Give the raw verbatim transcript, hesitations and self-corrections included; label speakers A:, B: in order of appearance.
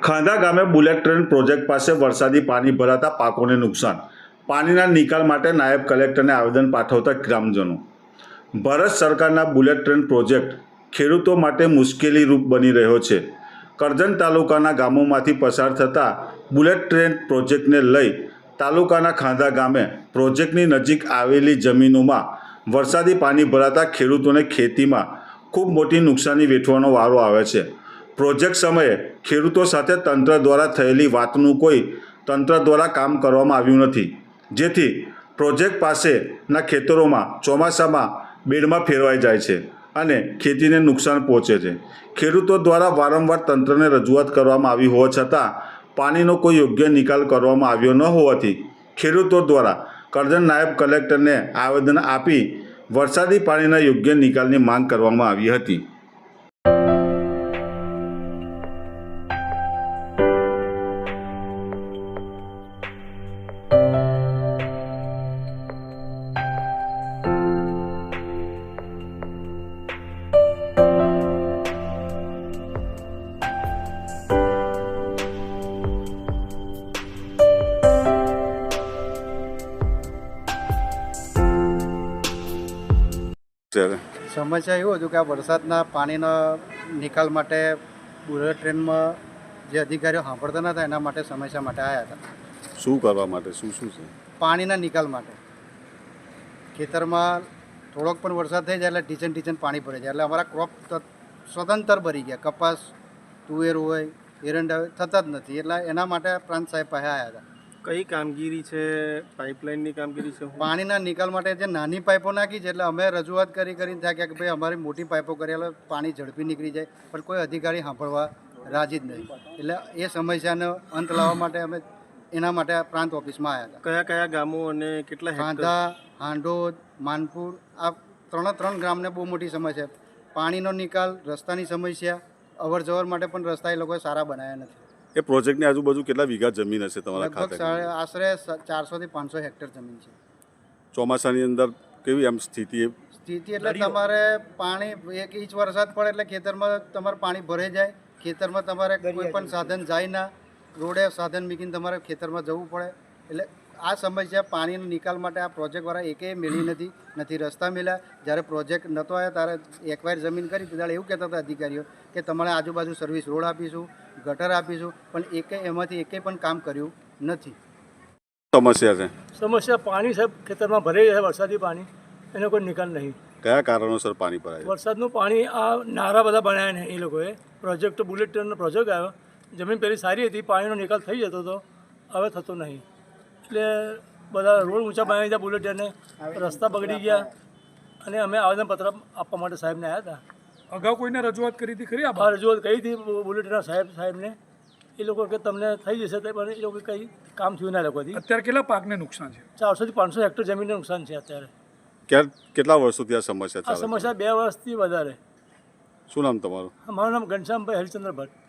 A: ખાંધા ગામે bullet train project પાસે વરસાદી પાણી ભરાતા પાકોને નુકસાન. પાણીના નિકાલ માટે નાયબ કલેક્ટરને આવેદન પાઠવતા ગ્રામજનો. ભારત સરકારના બુલેટ ટ્રેન પ્રોજેક્ટ ખેડૂતો માટે મુશ્કેલીરૂપ બની રહ્યો છે. કરજણ તાલુકાના ગામોમાંથી પસાર થતા બુલેટ ટ્રેન પ્રોજેક્ટને લઈ તાલુકાના ખાંધા ગામે પ્રોજેક્ટની નજીક આવેલી જમીનોમાં વરસાદી પાણી ભરાતા ખેડૂતોને ખેતીમાં ખૂબ મોટી નુકસાની વેઠવાનો વારો આવે છે. પ્રોજેક્ટ સમયે ખેડૂતો સાથે તંત્ર દ્વારા થયેલી વાતનું કોઈ તંત્ર દ્વારા કામ કરવામાં આવ્યું નથી, જેથી પ્રોજેક્ટ પાસેના ખેતરોમાં ચોમાસામાં બેડમાં ફેરવાઈ જાય છે અને ખેતીને નુકસાન પહોંચે છે. ખેડૂતો દ્વારા વારંવાર તંત્રને રજૂઆત કરવામાં આવી હોવા છતાં પાણીનો કોઈ યોગ્ય નિકાલ કરવામાં આવ્યો ન હોવાથી ખેડૂતો દ્વારા કરજણ નાયબ કલેક્ટરને આવેદન આપી વરસાદી પાણીના યોગ્ય નિકાલની માંગ કરવામાં આવી હતી.
B: સમસ્યા એવું હતું કે આ વરસાદના પાણીના નિકાલ માટે બુલેટ ટ્રેનમાં જે અધિકારીઓ સાંભળતા નતા એના માટે સમસ્યા માટે આવ્યા હતા.
A: શું કરવા માટે? શું શું છે?
B: પાણીના નિકાલ માટે. ખેતરમાં થોડોક પણ વરસાદ થઈ જાય એટલે ટીચન ટીચન પાણી ભરાઈ જાય એટલે અમારા ક્રોપ સ્વતંત્ર ભરી ગયા. કપાસ, તુવેર હોય, એરંડા હોય, થતા જ નથી. એટલે એના માટે પ્રાંત સાહેબ પાસે આવ્યા હતા.
C: કઈ કામગીરી છે? પાઇપલાઇનની કામગીરી છે?
B: પાણીના નિકાલ માટે જે નાની પાઇપો નાખી છે એટલે અમે રજૂઆત કરી કરીને થયા કે ભાઈ અમારી મોટી પાઇપો કરી એટલે પાણી ઝડપી નીકળી જાય, પણ કોઈ અધિકારી સાંભળવા રાજી જ નહીં. એટલે એ સમસ્યાનો અંત લાવવા માટે અમે એના માટે પ્રાંત ઓફિસમાં આવ્યા હતા.
C: કયા કયા ગામો અને કેટલા?
B: ખાંધા, હાંડોદ, માનપુર, આ ત્રણે ત્રણ ગામને બહુ મોટી સમસ્યા. પાણીનો નિકાલ, રસ્તાની સમસ્યા, અવર જવર માટે પણ રસ્તા એ લોકોએ સારા બનાવ્યા નથી.
A: એ પ્રોજેક્ટની આજુબાજુ કેટલા વીઘા જમીન હશે તમારા
B: લગભગ
A: ખાતે?
B: આશરે ચારસો થી પાંચસો હેક્ટર જમીન છે.
A: ચોમાસાની અંદર કેવી આમ સ્થિતિ?
B: સ્થિતિ એટલે તમારે પાણી એક ઇંચ વરસાદ પડે એટલે ખેતરમાં તમારે પાણી ભરાઈ જાય. ખેતરમાં તમારે કોઈ પણ સાધન જાય ના, રોડે સાધન મૂકીને તમારે ખેતરમાં જવું પડે. એટલે આ સમસ્યા પાણીનો નિકાલ માટે આ પ્રોજેક્ટવાળા એકેય મેળવી નથી નથી રસ્તા મળ્યા. જ્યારે પ્રોજેક્ટ નહોતો આવ્યો ત્યારે એકવાર જમીન કરી ત્યારે એવું કહેતા હતા અધિકારીઓ કે તમારે આજુબાજુ સર્વિસ રોડ આપીશું, ગટર આપીશું, પણ એકે એમાંથી એકેય પણ કામ કર્યું નથી.
A: સમસ્યા છે?
D: સમસ્યા પાણી સાહેબ ખેતરમાં ભરાઈ જાય વરસાદી પાણી, એનો કોઈ નિકાલ નહીં.
A: કયા કારણોસર પાણી ભરાય?
D: વરસાદનું પાણી આ નારા બધા બનાવ્યા ને એ લોકોએ. પ્રોજેક્ટ બુલેટ ટ્રેનનો પ્રોજેક્ટ આવ્યો, જમીન પહેલી સારી હતી, પાણીનો નિકાલ થઈ જતો હતો, હવે થતો નહીં. એટલે બધા રોડ ઊંચા બનાવી દીધા બુલેટ ટ્રેને, રસ્તા બગડી ગયા અને અમે આવેદનપત્ર આપવા માટે સાહેબને આવ્યા હતા.
E: અગાઉ કોઈને રજૂઆત કરી હતી ખરી?
D: આ રજૂઆત કરી હતી બુલેટ ટ્રેનના સાહેબ સાહેબને. એ લોકો કે તમને થઈ જશે તે પણ એ લોકો કંઈ કામ થયું ના લોકોથી.
E: અત્યારે કેટલા પાકને નુકસાન છે?
D: ચારસોથી પાંચસો હેક્ટર જમીનને નુકસાન છે અત્યારે.
A: ક્યાં કેટલા વર્ષોથી આ સમસ્યા
D: આ
A: ચાલે?
D: સમસ્યા બે વર્ષથી વધારે.
A: શું નામ તમારું?
D: મારું નામ ઘનશ્યામભાઈ હરિચંદ્ર ભટ્ટ.